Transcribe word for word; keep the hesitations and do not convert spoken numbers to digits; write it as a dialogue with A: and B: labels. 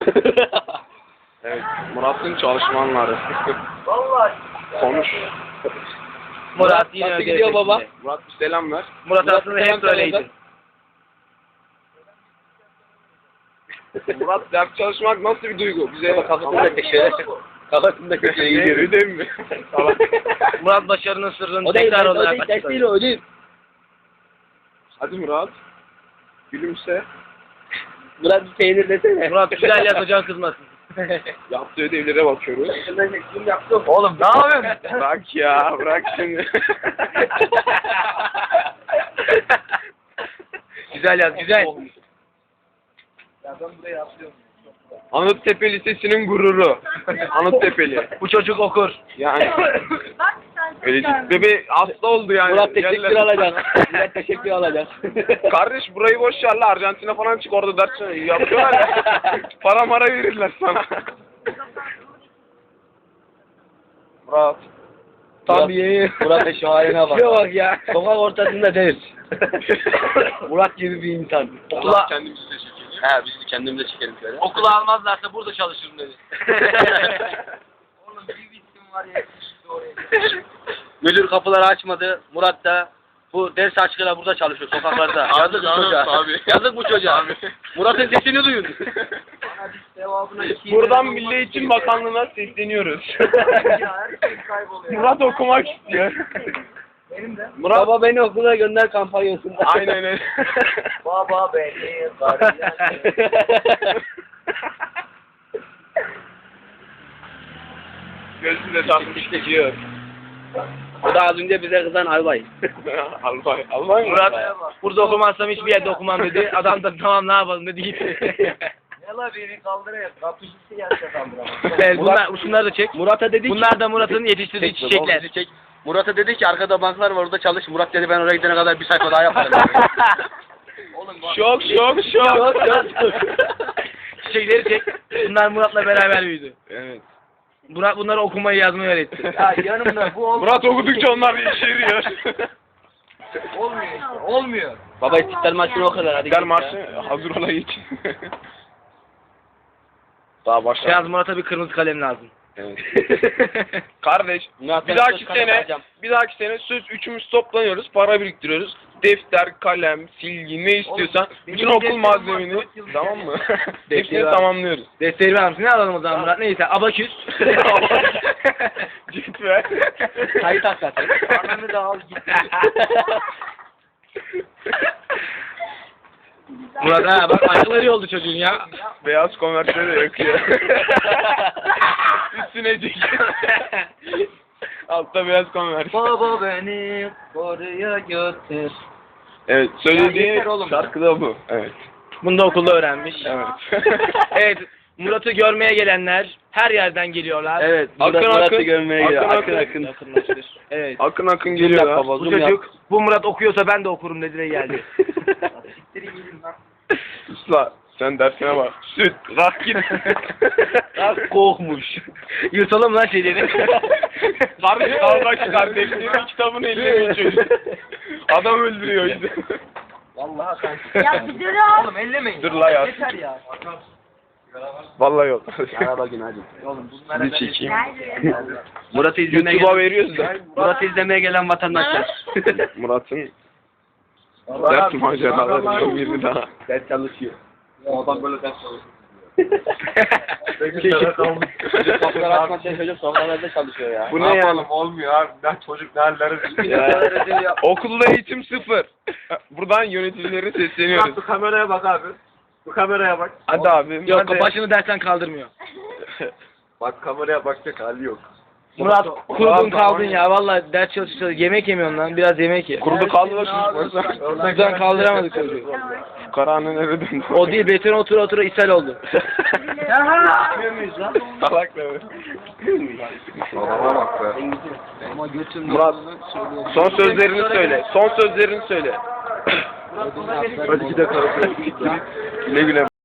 A: Evet, Murat'ın çalışmanları.
B: Vallahi.
A: Konuş.
C: Murat yine
A: Nasıl
C: ödev
A: gidiyor baba?
C: peşinde.
A: Murat bir selam ver.
C: Murat
A: Murat
C: aslında
A: selam
C: hep böyleydi.
A: söyle. Murat ders çalışmak nasıl bir duygu? Bize
B: Kafasında köşe. Kafasında köşe iyi
A: Ne, ödev mi? Tamam.
C: Murat başarının sırrını
B: O değil,
C: tekrar
B: o
C: olarak
B: değil, ders değil
C: açıkladı.
B: o değil.
A: Hadi Murat. Gülümse.
B: Murat bir peynir desene.
C: Murat güzel yaz hocan kızmasın.
A: Yaptığı ödevlere bakıyoruz.
B: Kim yaptı?
C: Oğlum ne yapıyorsun?
A: Bırak ya, bırak şimdi.
C: Güzel yaz güzel.
B: Ya ben buraya atlıyorum.
A: Anıttepe Lisesi'nin gururu. Anıttepe'li.
C: Bu çocuk okur.
A: Yani. Öyle bebe hasta oldu yani.
B: Murat teşekkür
A: Yerler-
B: alacak. Murat teşekkür alacak.
A: Kardeş burayı boş ver la, Arjantin'e falan çık, orada ders yapıyorlar ya. Para mara verirler sana. Murat.
B: Tam bir yeni. Murat'a şu haline bak.
C: Şuna bak ya.
B: Sokak ortasında ders. Murat gibi bir insan.
C: Okula,
A: Kendimizi de çekelim.
B: He biz de kendimize çekelim şöyle.
C: okula almazlarsa burada çalışırım dedi.
B: Oğlum bir bitim var ya. Müdür kapıları açmadı. Murat da bu ders aşkıyla burada çalışıyor sokaklarda. Yazık bu
A: canım,
B: çocuğa.
A: tabii.
B: Yazık bu çocuğa.
A: Tabii.
B: Murat'ın sesini duyun.
A: Buradan Milli Eğitim Bakanlığı'na sesleniyoruz. Murat okumak istiyor. Murat.
B: Baba beni okula gönder kampanyasında.
A: Aynen öyle.
B: Baba beni
A: Gözüne takmış gidiyor.
B: O da az önce bize kızan albay.
A: Albay. Albay mı?
C: Murat burada okumazsam hiçbir yerde okumam dedi. Adam da tamam ne yapalım dedi gitti.
B: Ne la beni kaldırıyor. Kapışısı gelse kaldıramaz.
C: Evet, bunlar, şunları da çek.
B: Murat'a dedi ki.
C: Bunlar da Murat'ın yetiştirdiği
B: Çek,
C: çiçekler.
B: çek. Murat'a dedi ki arkada banklar var orada çalış. Murat dedi ben oraya gidene kadar bir sayfa daha yaparım.
A: Şok şok şok.
C: Çiçekleri çek. Bunlar Murat'la beraber büyüdü.
A: Evet.
C: Murat bunları okumayı yazmayı öğretti.
B: Ya yanımda bu olmuyor.
A: Murat okudukça onlar yeşeriyor.
B: Olmuyor. Olmuyor. Baba istiklal maçını o kadar hadi.
A: Gel
B: git
A: marşı
B: ya.
A: hazır ola geç. Daha başla.
C: Yalnız Murat'a bir kırmızı kalem lazım.
A: Evet. Kardeş,
B: Murat,
A: bir
B: ben
A: dahaki
B: söz kalem
A: sene,
B: alacağım.
A: bir dahaki sene söz üçümüz toplanıyoruz, para biriktiriyoruz. Defter, kalem, silgi ne istiyorsan,
B: benim
A: bütün okul
B: defterim var,
A: malzemeni,
B: dört yıl
A: tamam mı?
C: Defteri
A: Hepsini
C: var.
A: tamamlıyoruz.
C: Desteği ver misin? Ne alalım o zaman Murat? Neyse abaküs.
A: Git ver.
B: Kayıt hakikaten. Ananı da al git.
C: Murat ha bak ayakları oldu çocuğun ya.
A: Beyaz konvertleri de yakıyor. Üstüne çekiyor. Altta beyaz konvert.
B: Baba beni oraya götür.
A: Evet,
B: Ya
A: söylediği
B: yeter oğlum
A: şarkı da bu. Evet.
C: Bunu da okulda öğrenmiş.
A: Evet.
C: Evet, Murat'ı görmeye gelenler her yerden geliyorlar.
B: Evet.
A: Akın,
B: Murat, Murat'ı
A: akın.
B: görmeye geliyor.
A: Akın,
B: Akın
A: akın.
B: akın.
C: Yakınlaştır. Evet.
A: Akın akın
B: Zoom
A: geliyorlar.
B: yap baba,
C: Bu
B: zoom yap.
C: çocuk, bu Murat okuyorsa ben de okurum dedi de geldi.
A: Usla, sen dersine bak. Süt, kalk git.
C: Kalk kokmuş. Yutalım lan şeyleri.
A: Kardeş, kardeş, kardeşliğinin kitabını ellemeyin çocuk. Adam öldürüyor işte.
B: Vallahi sen.
D: Ya bir dur al.
B: Oğlum ellemeyin.
A: Dur la ya.
B: Yeter ya.
A: Vallahi yok.
B: Araba gün hadi. Oğlum bunlara
A: Bir çekeyim.
D: Nerede?
C: Murat'ı izlemeye
A: YouTube'a
C: gelen,
A: veriyoruz da.
C: Murat'ı izlemeye gelen vatandaşlar.
A: Murat'ın ders maceraları çok biri daha.
B: Ders çalışıyor. O adam böyle ders çalışıyor. Çocuk sofralar açmak için çocuk sofralarda çalışıyor ya.
A: Bu ne yani?
E: Olmuyor abi. Ben çocuk ne hallere düştü.
A: Ya. Okulda eğitim sıfır. Buradan yöneticilere sesleniyoruz.
E: Bu kameraya bak abi. Bu kameraya bak.
A: Hadi abi.
C: Yok
A: hadi.
C: başını dersten kaldırmıyor.
E: Bak kameraya bakacak hali yok.
C: Murat kurudun
A: Murat,
C: kaldın
A: Murat.
C: ya vallahi ders çalışıyor. Yemek yemiyorsun lan biraz yemek ye.
A: Kurudu kaldı da çocuk.
C: Buradan kaldıramadık çocuğu.
A: Karanın eve döndü.
C: O değil betona otura otura ishal oldu.
B: Bilmiyor muyuz lan?
A: Salak ne be?
E: Babama bak be.
B: Ama götüm
A: Murat, son sözlerini söyle. Son sözlerini söyle.
E: Hadi gidelim.
A: Güle güle.